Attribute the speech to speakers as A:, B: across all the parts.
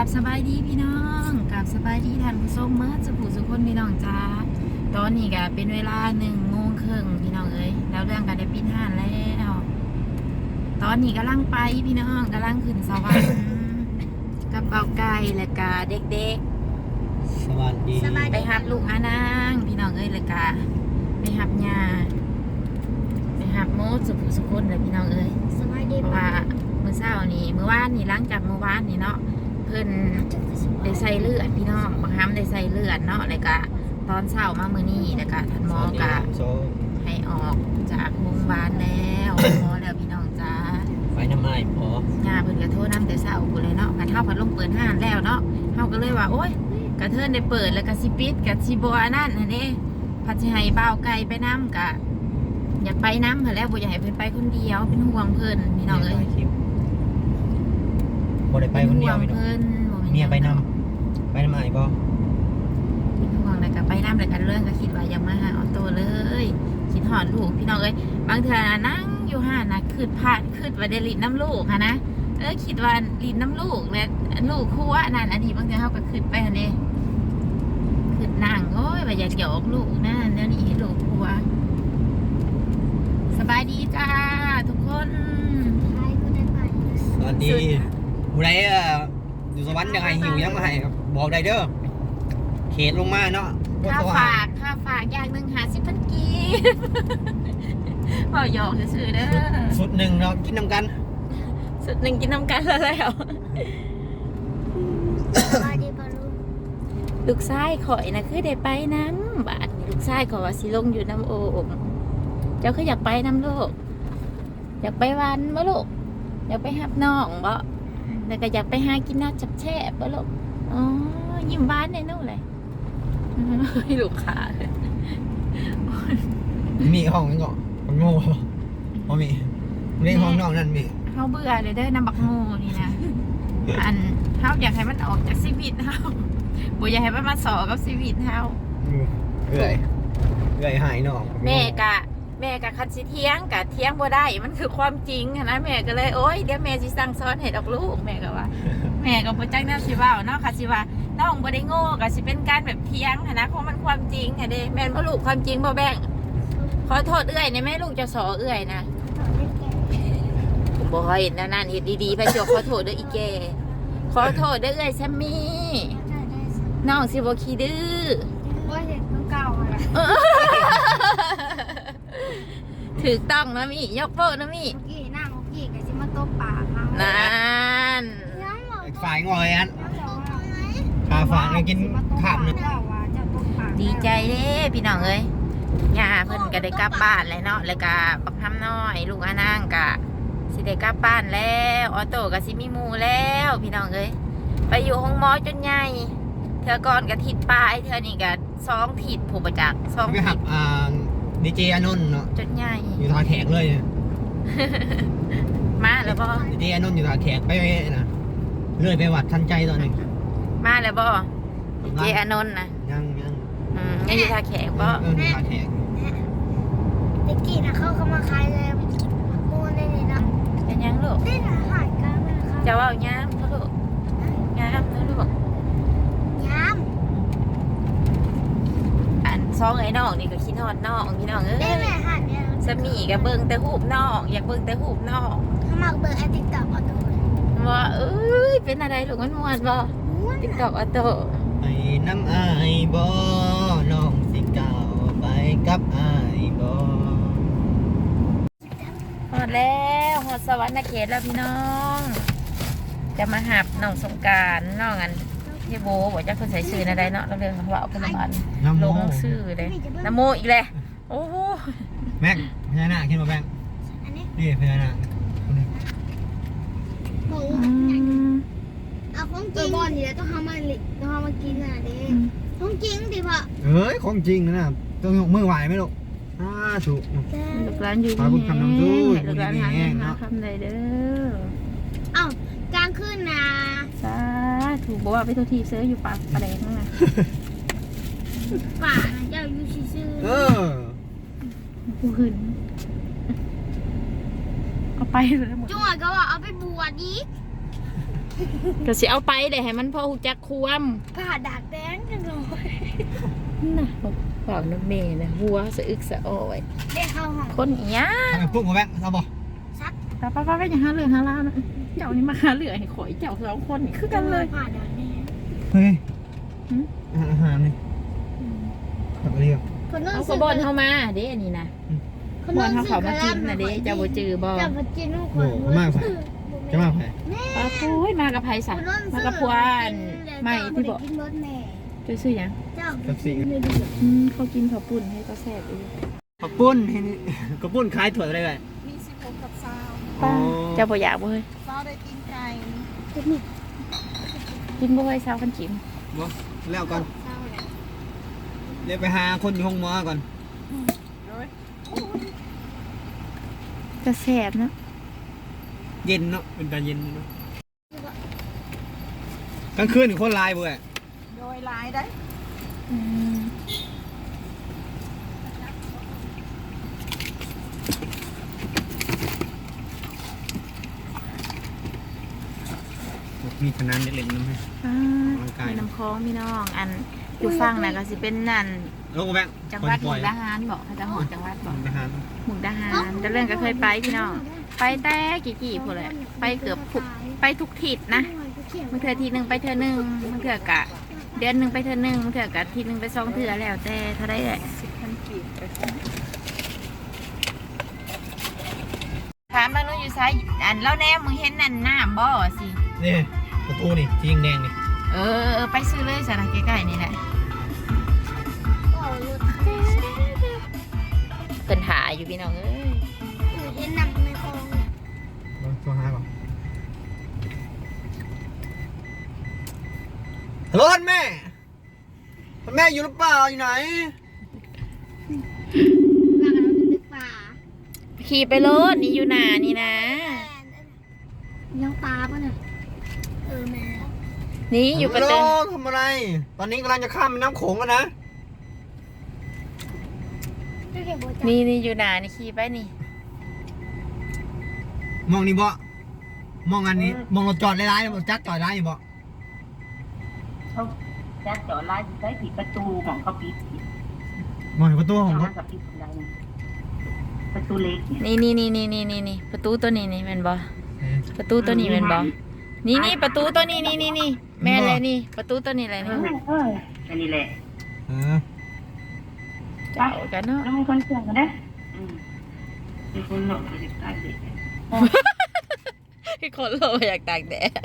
A: บสบายดีพี่น้องกราบสบายดีท่านผู้ชมเมื่อสุขสุขคนพี่น้องจ้าตอนนี้ก็เป็นเวลา1:30พี่น้องเอ้ยแล้วเรื่องการได้ปิดห้านแล้วตอนนี้กำลังไปพี่น้องกำลังขึ้นสวรรค์กับเบาไก่และกาเด็ก
B: สวัสดี
A: ๆไปหับลูกอานางพี่น้องเอ้ยและกาไปหับยาไปหับโมดสุขคนเลยพี่น้องเอ้ย
C: สบายดี
A: เพราะว่าเมื่อเช้านี้เมื่อวานนี่หลังจากเมื่อวานนี่เนาะเพิ่นได้ใส่เลือดพี่น้องบางครั้งได้ใส่เลือดเนาะแล้วก็ตอนเช้ามามื้อนี้แล้วก็ท่านหมอก็ให้ออกจากโรงพยาบาลแล้วหมอแล้วพี่น้องจ้า
B: ไปน้ำไม้พอ
A: ย่าเพิ่นก็โทรนำแต่เช้าพุ่นเลยเนาะกะเฮาพัดลมเปิดห้านแล้วเนาะเฮาก็เลยว่าโอ๊ยกะเทินได้เปิดแล้วก็สิปิดก็สิบ่อันนั้นหั่นเด้พัดสิให้บ่าวไก่ไปนำก็อยากไปนำหั่นแหล้วบ่อยากให้เพิ่นไปคนเดียวเป็นห่วงเพิ่นพี่น้องเอ้ย
B: บ่ได้ไปคนเดียวพี่น้องเมียไปนำไม้บ่
A: เป็นห่วงแล้วก็ไปนำแล้วกันเรื่องก็คิดว่าอยากมาหาออโต้เลยคิดฮอดลูกพี่น้องเอ้ยบางเทื่อนั่งอยู่ห้านน่ะคิดว่าได้ลิ้นน้ำลูกค่ะนะคิดว่าลิ้นน้ำลูกและลูกคั่วนั่นอันนี้บางเทื่อเฮาก็คิดไปหั่นเด้คิดนั่งโอ้ยว่าอยากหยอกลูกนั่นแล้วนี่ให้ลูกคั่วสบายดีจ้าทุกคน
C: ใครก็ได้ไป
B: สวัสดีผู้ใดอยู่สวรรค์ยังไงหิวยังมาให้บอกได้เด้อเขตลงมาเนาะ
A: ค่าฝากอย่างหนึ่ง50,000 กีบเบาหยอกซื่อๆเด้อ
B: สุดหนึ่งเนาะกินน้ำกัน
A: สุดหนึ่งกินน้ำกันแล้ว
C: สบายดีปะลูก
A: ลูกชายข่อยนะคือได้ไปน้ำบาดลูกชายข่อยว่าสิลงอยู่น้ำโอ่งเจ้าคืออยากไปน้ำโลกอยากไปวันบ่ลูกอยากไปหับน้องบ่แล้วก็อยากไปหากินน้ำจับแช่บ่ลูกอ๋อยิ้มหวานในนู่นเลยลูกขาเลย
B: มีห้องนี่ก่อนผมโง่พอมีนี่ห้องนอกนั่นมี
A: เขาเบื่อเลยเด้อน้ำบักโง่นี่นะอันเขาอยากให้มันออกจากชีวิตเขาบ่อยากให้มันมาสอกับชีวิตเขา
B: เอื่อยหายนอก
A: แม่กะคันสิเที่ยงกะเที่ยงบ่ได้มันคือความจริงนะแม่ก็เลยโอ๊ยเดี๋ยวแม่สิสั่งสอนให้ดอกลูกแม่ก็ว่า แม่ก็บ่จักแนวสิเว้าเนาะค่ะสิว่าน้องบ่ได้โง่ก็สิเป็นการแบบเที่ยงนะเพราะมันความจริงค่ะเด้แม่นบ่ลูกความจริงบ่แบ่งขอโทษเอื้อยในแม่ลูกจะสอเอื้อยนะผมบ่เห็นนั่นเฮ็ดดีๆไปจกขอโทษเด้ออีแกขอโทษเด้อเอื้อยซัมมี่น้องสิบ่ขี้ดื้อ
C: ว่าเห็นต้องเก่าอะไร
A: ถูกต้องนะมี่ยกโป้นะมี่
C: เมื่อกี้นั่งเมื่อกี้กับซิมาตบปากเขา
A: นั่น
B: ฝ่ายงอยอันขาฝางกินข้ามนึง
A: ดีใจเด้พี่น้องเอ้ยย่าเพิ่นก็ได้กลับบ้านแล้วเนาะแล้วก็บักคำน้อยลูกอานางก็สิได้กลับบ้านแล้วออโต้ก็สิมีหมู่แล้วพี่น้องเอ้ยไปอยู่ห้องหมอจนใหญ่เธอก่อนก็ทิศปลายเธอนี่ก็2 ทิศผู้ประจักษ์2
B: ไป
A: ทิ
B: หั
A: ศ
B: บดีเจอานนท์เนาะ
A: จนใหญ่
B: อยู่ทางแขกเลย
A: มาแล้วบ่
B: ดีเจอานนท์อยู่ทางแขกไปนะเลื่อยไปวัดทันใจตอนนึง
A: มาแล้วบ่ดีเจอานนท์นะ
B: ยัง
A: ยังอยู่ท่าแขกบ่
B: อยู่ทางแขก
C: เมื่อกี้นะเขามาขายเลยมูนในนี้นะ
A: เป็นยังลูก
C: ได้หาหายกันไหมคะ
A: จะว่าย้ำเขาลูกย้ำนะลูก
C: ย้
A: อันซองไอ้น้องนี่ก็คิดฮอดน้องพี่น้องเอ้
C: ำได้
A: ย
C: แม่หันเนี่ย
A: สมีกับเบิ่งแต่หูบน้องอยากเบิ่งแต่หูบน้อง
C: เขามาเบอร์ไอติ๊กต็อกเอาตัว
A: ว่าเอ้ยเป็นอะไรลูกมันม่วนบ่ติ๊กต็อกออโต้
B: ไอ้น้ำอายบ่น้องสิก้าวไปกับอายบ่
A: ฮอดแล้วฮอดสวรรค์เขตแล้วพี่น้อง จะมาหับน้องสงกรานต์น้องอันพี่โบบอกจะคนใส่ชื่ออะไรเนาะเราเรื่องว่าเอาคนละบันลงชื่อเลยน้ำโมอีกเลยโอ้โห
B: แม่งพญานาคขึ้นมาแม่ง
C: อันนี้
B: นี่พญานาค
C: หมูเอาของจริงบอลนี่แหละต้องทำมากินน่ะเด้ของจริงดิพ่อ
B: เอ้ยของจริงนะต้องยกมือไหวไหมลูกถูก
A: ลูกร้านอยู่
B: ขอบคุณคำนำดู
A: ลูกร้านหา
B: แห้
A: เงิ
B: ง
A: นมา
B: เนาะ
A: คำใดเด้อ
C: เอ้ากลางคืนนะ
A: สาถูกบอกว่าไปทุกทีเสื้ออยู่ปากปลาแดงนั่นน่ะ
C: ป่านะเจ้าอยู่ซื่อ
B: เออ
A: กูหึนเอาไปเลยหมด
C: ๆจังหวะก็ว่าเอาไปบวชอีก
A: ก็สิเอาไปได้ให้มันพอฮู้จักความ
C: ผ่าดักแดงจังเลย
A: น่ะเปล่าน้ำเมนะหัวสะอึกสะอ้อย
C: ได้เข้าห้อง
A: คนอีหยัง
B: ทำไมพวกมาแบงเราบอก
A: ป้าอย่าหาเรื่องหาล่านะเจ้านี่มาหาเรื่องให้ข่อยเจ้าสองคนนี่คือกันเลย
C: ผ่าดักแดง
B: เฮ้ยอาหารนี่ขับเรียก
A: เอาขบอนเข้ามาเด้อันนี้นะขบอนเขามากินนะเด้เจ้าบ่จือบ่
C: เจ้าบ่จือลูก
B: โอ้มากไปจะมากไป
A: ป้าปุ้ยมากับไผสัมากับพวานไม่ที่บอก
C: กินรถแม่
A: จะซื้อหยัง
C: เจ้า
B: กับสิ่ง
A: เขากินข้าวปุ้นให้ก็แซ่บอีก
B: กระปุ้นเห็นกระปุ้นคล้ายถั่วอะไรแบบ
D: มี16กับ20
A: ป้าเจ้าบ่อยากบ่เฮ้ย
D: เฝ้าได้กินไก่
A: กินบ่เฮ้ยเช้ากันกิน
B: บ่แล้วก่อน
D: เฝ้าเนี่ย
B: เดี๋ยวไปหาคนอยู่ห้องหมอก่อน
D: โอ้ย
A: จะแซ่บเนาะ
B: เย็นเนาะเป็นตาเย็นเนาะกลางคืนคนลายเบื่อ
D: โดยหลายได้
B: มีขนาดเล็กๆน้ำให้
A: มีน้ำคลองพี่น้องอันอยู่ฟังน่ะก็สิเป็นนั่น
B: ลงแบง
A: จังหวัดมุกดาหารบอกเขาจะหอดจังหวัดบอก
B: ทหาร
A: มุกดาหารแต่เรื่องก็เคยไปพี่น้องไปแต่กี่พูดเลยไปเกือบไปทุกทิศนะบางเทื่อทีหนึ่งไปเทื่อหนึ่งบางเทื่อกะเดือนหนึ่งไปเทื่อหนึ่งบางเทื่อกะทีหนึ่งไปสองเทื่อแล้วแต่เท่าไรแหละ
D: 10,000กีบไป
A: ถามบางนู้นอยู่ซ้ายอันแล้วแน่มึงเห็นนั่นน้ำบ่สิ
B: นี่ประตูนี่สีแดงนี่
A: ไปซื้อเลยสนะใกล้ๆนี่แหละเพิ่นหาอยู่พี่น้องเอ้ย
C: เห็นนำในคลอง
B: ลองโทรหาก่อนฮัลโหลท่านแม่ท่านแม่อยู่หรือเปล่าอยู่ไหน
C: ว่ากันว่าเป็นตึกป่า
A: ขี่ไปรถนี่อยู่หนานี่นะ
C: ยังปลาป่ะเนี่ยแม่
A: นี่อยู่ประ
B: ฮัล
A: ตู
B: โหลทำอะไร ตอนนี้กำลังจะข้ามแม่น้ำโขงแล้วนะ
C: ก็เก็บโบจั
A: นี่อยู่หนานี่ขี่ไปนี่
B: มองนี่บ่มองอันนี้ มองรถจอดร้ายๆบ่จักจอดร้ายอยู่บ่
E: เขาจะจอดไล่ใช้ผิดประตูของเขาปิด
B: มองเห็นประตูของ
E: เขา
B: รถ
E: กับปิดอะไรนะประตูเล็กเนี่ย
A: นี่ประตูตัวนี้นี่แม่นบ่ประตูตัวนี้แม่นบ่นี่ประตูตัวนี้นี่แม่นเลยนี่ ประตูตัวนี้เลยนี่
E: อันนี้แหละ
B: เออ
A: เจ้ากันเนาะ
E: แล้วมีคนเชื่อกันนะมีคนหลอกเด็กตายเด็ก
A: พี่คนเราอยากตากแดด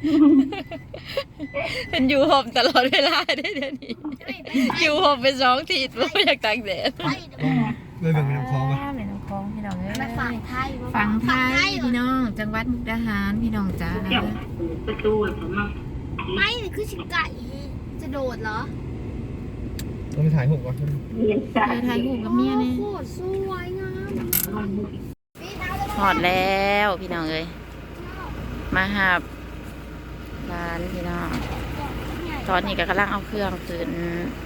A: เป็นอยู่ห่มตลอดเวลาได้เดี๋ยวนี้อยู่ห่มเป็น2 ทีเพราะอยากตากแดด
B: เลยแบ่งเป็นน้ำคลองไป
A: แม่น้ำคลองพี่น้องเอ้ย
C: มาฝั่งไทย
A: ฝั่งไทยพี่น้อง จังหวัดมุกดาหารพี่น้องจ้า
E: เจ้าประตูผมมา
C: ไม่นี่คือชิงไก่จะโดดเหรอ
B: ต้องไปถ่ายรูปก่อน
E: เรียนจ้า
A: ไปถ่ายรูปกับเมียนี่
C: โคตรสวยงาม
A: หอดแล้วพี่น้องเอ้ยมาหาบร้านพี่น้องตอนนี้ก็กำลังเอาเครื่องขึ้น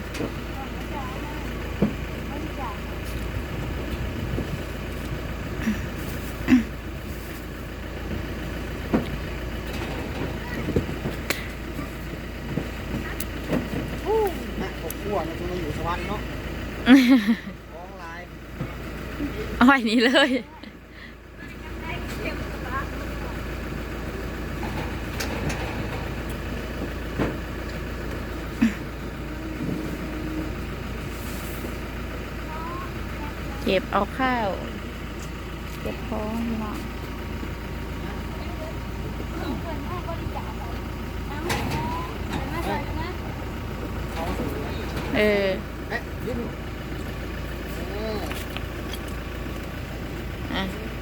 B: นะผมกลัวมันจะมาอยู่สวรรค์เนาะฟ้องลาย
A: อ้อยนี้เลย เก็บเอาข้าว เก็บของพี่น้องเออ
B: เอ๊ะยืนเออ
A: อ่ะ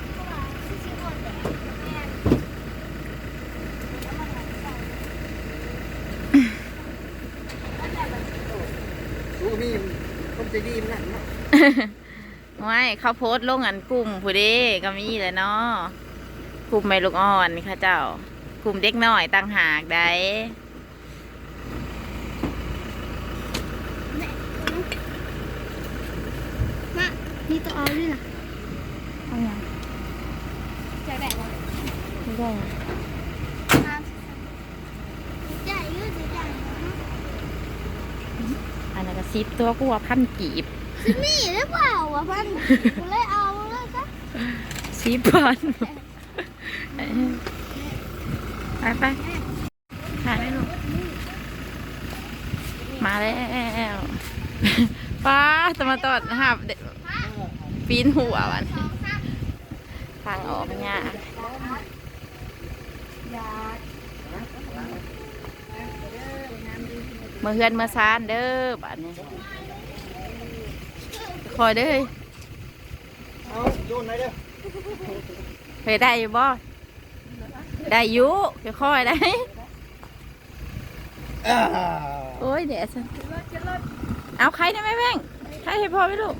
B: รู้ว่ามีคนใจดีมันนั่นเนาะ
A: ไม่เขาโพสต์ลงอันกลุ่มผู้เด้ก็มีแหล้วเนาะกลุ่มไม่ลูกอ่อนค่ะเจ้ากลุ่มเด็กน้อยต่างหากได้
C: มานี่ตัวเอาด้วยนะ
A: เอาอย่าง
C: จะแบกวะ
A: ไม่ได้อะ
C: มา
A: 10ตัวกูว่า1,000กีบ
C: ซิมี่หรือเปล่าวะพันกูเลยเอาแล้วจ้ะ
A: 10,000ไปมาได้ลูกมาแล้วป้าจะมาตอดหับปีนหัววันทางออกเนี่ยมือเฮือนมือซานเด้อบ้านนี้คอยเด้อ
B: เอาโยนไหนเด้อ
A: เคยได้อยู่บ่ได้อยู่ค่อยๆได้ โอ้ยเดี๋ยวสิเอาใครได้ไหมแม่งใครให้พ่อไหมลูก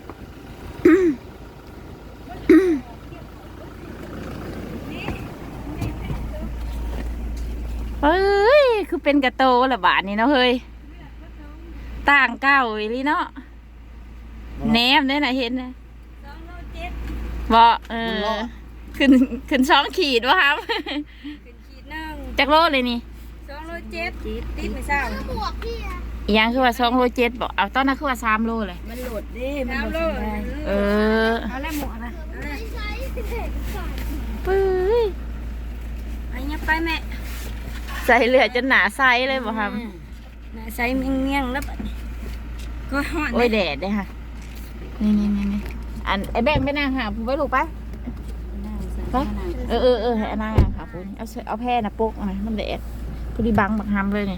A: เฮ้ยคือเป็นกระโตละบาทนี่เนาะเฮ้ยต่างเก้าอีหลีเนาะแหนมได้น่ะเห็นนะบ่ขึ้น2 ขีดวะครับ
D: ขีดนึง
A: จักโลเลยนี่
D: 207ติดไม่เศร้า
C: หมวกพี่อะ
A: อีหยังคือว่า2 โล 7บอกเอาตอนนั้นคือว่า3 โลเลย
D: มันโหลดดิมันโหลดได้
A: เออ
D: เอาแล้วหมวกนะเอาแล้ว
C: ไม่ใช่เด็กก่อน
A: ปื้ย
D: ไปยับไปแม่
A: ใส่เหลือจนหนาไซเลยบ่ครับ
D: น่ะใส่เมี่ยงๆแล้วบัดนี้ก็ฮ้อน
A: โอ้ยแดดเด้ค่ะนี่อันไอ้แบงค์ไปนั่งหาผู้ไว้ลูกไปไปให้นั่งค่ะคุณเอาแพร่นะปุ๊กหน่อยมันแดดพอดีบังบักฮามเลยนี่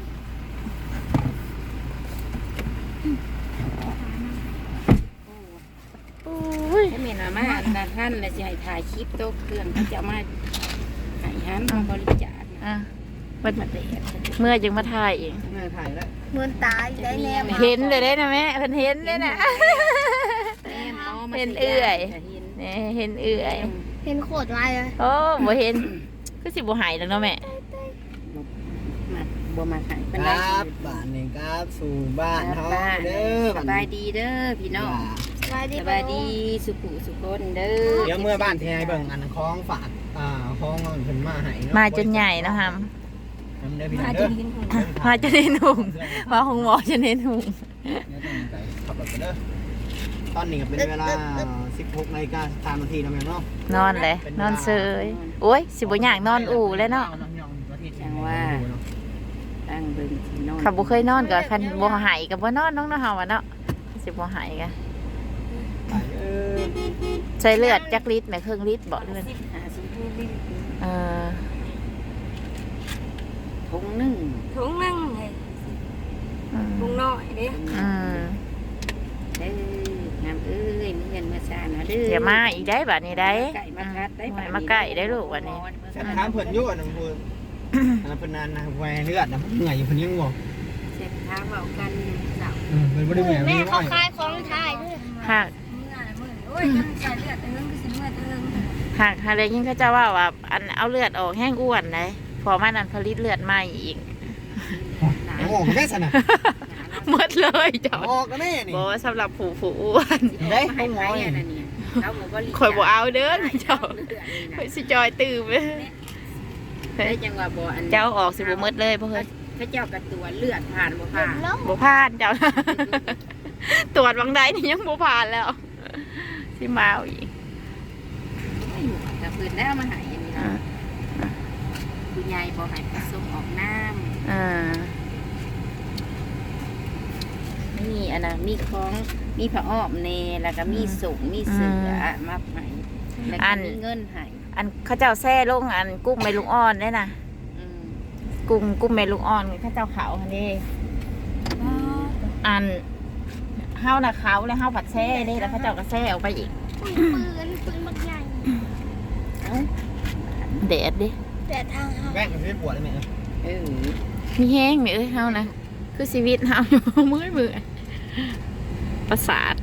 A: โอ้ย
D: ให้แม่น่ะมาด้านท่านแล้วสิให้ถ่ายคลิปโต๊ะเครื่องที่จะเอามาให้หันมาบริจาค
A: อ่ะมัน
D: มาเตะ
A: เมื่อจึงมาถ่ายเอง
B: แม่ถ่ายแล้ว
C: เหมือนตายได้แนว
A: เห็นเลยได้นะแม่เพิ่นเห็นเลยนะ
D: แม่หมอมา
A: เห็นเอื่อย
D: เห็น
A: นี่เห็นเอื่อย
C: เห็นโคตรลายเลย
A: โอ้บ่เห็นคือสิบ่หายแล้วเนาะแม่
D: มาบ่มาหาย
B: ค
D: เป็นไร
B: รับบ้านนี่ครับสู่บ้านเฮาเด้อ
D: สบายดีเด้อพี่น้อง
C: สบายดี
D: สบายดีสุขุสุคนเด้อ
B: เดี๋ยวเมื่อบ้านที่ให้เบิ่งอันคล้องฝากคล้องเพิ่นมาให้เนาะ
A: มาจนใหญ่เนาะครับ
B: ทำได้พี่น้
D: มา
B: อง
D: จ
B: เด้อน
D: กินของ
A: มาจนเห็นหุ่งมาหงหมอจนเห็นหุ่ง
B: ขับรถไปเด้อตอนนี้ก็เป็นเวลา 16 นาฬิกา3 นาทีแล้วแม่เนาะ
A: นอนเลยนอนเซยโอ้ยสิบ่อยากนอนอู่เลยเนาะ
D: ตั้งเบิ่งสินอน
A: ขับบ่เคยนอนก็คันบ่หายก็บ่นอนน้องเนาะเฮาอะเนาะสิบ่หายก็ใส่เลือดจักลิตรแม่ครึ่งลิตรบ่เลือด
D: 50ลิตร
A: เออ
D: ถุงหนึง
E: ถุงนึงให้
A: อืม
E: ถุงน้อยเด้
A: อืม
D: เด้องามเอ้ยมีเงินมาสร้างนะเด้อ
A: เดี๋ยวมาอีกได้บัดนี้ได้
D: ไก่มากัดได้
A: มาใกล้ได้ลูกวันนี้
B: ถามเพิ่นอยู่อันนั้นเพิ่นเพิ่นนานนะแหวเลือดนะเหนื่อยอยู่เพิ่นยังบ่
D: เสร็จทางเว้ากันเจ้า
B: เพิ่นบ่ได้เหนื่อย
C: แม่
B: มี
C: เขา
B: น้อย
C: คายของทายด้วย
A: หาก
E: โอ้ยยังใส่เลือดเอิ้งก็สิเมื่อเอิ้ง
A: หากเลยยิ่งเขาจะว่าอันเอาเลือดออกแห้งอ้วนเลยพอมันอันผลิตเลือดใหม่อีก
B: โอ้โหแค่สนะ
A: หมดเลยเจ้า
B: ออกแล้วแม่นี่
A: บอกว่าสำหรับผู้อ้วน
B: ได้
D: ให้ไว้อันนั้นเนี่ยเขาบอกว่า
A: คอยบอกเอาเด้อเจ้าคอยสิจอยตื่มเลย
D: ได้จังว่าบ่อัน
A: เจ้าออกสิบ่หมดเลยเพื่อน
D: พระเจ้ากับตัวเลือดผ่านบ่ผ่าน
C: แล้ว
A: บ่ผ่านเจ้า ตรวจวังใดนี่ยังบ่ผ่านแล้วสิมาเอาอีก
D: แต่พื้นแล้วมาหายอันนี้
A: อ่า
D: คุณยายบ่หายผสมออกน้
A: อ่า
D: ำนี่อันนั้นมีของมีผ้าอ้อมเนแล้วก็มีสุงมีเสือมาใหายแล้วก็มีเงินใหาย
A: อันเขาเจ้าแซ่ลงอันกุ้งแม่ลูกอ่อนได้น่ะกุ้งแม่ลูกอ่อนเขาเจ้าเขาอันนี้อันเฮาน่ะเขาแล้วเฮาผัดแซ่ได้แล้วเขาเจ้าก็แซ่ออกไปอีก
C: ปืนบักใหญ่
A: แดดดิ
C: แต่ทางเขา
B: แม่งมันสิปวดเลยแม่
D: เออ
A: มีแห้งไหมเอ้ยเฮานะคือชีวิตเฮาอยู่ มือประสาท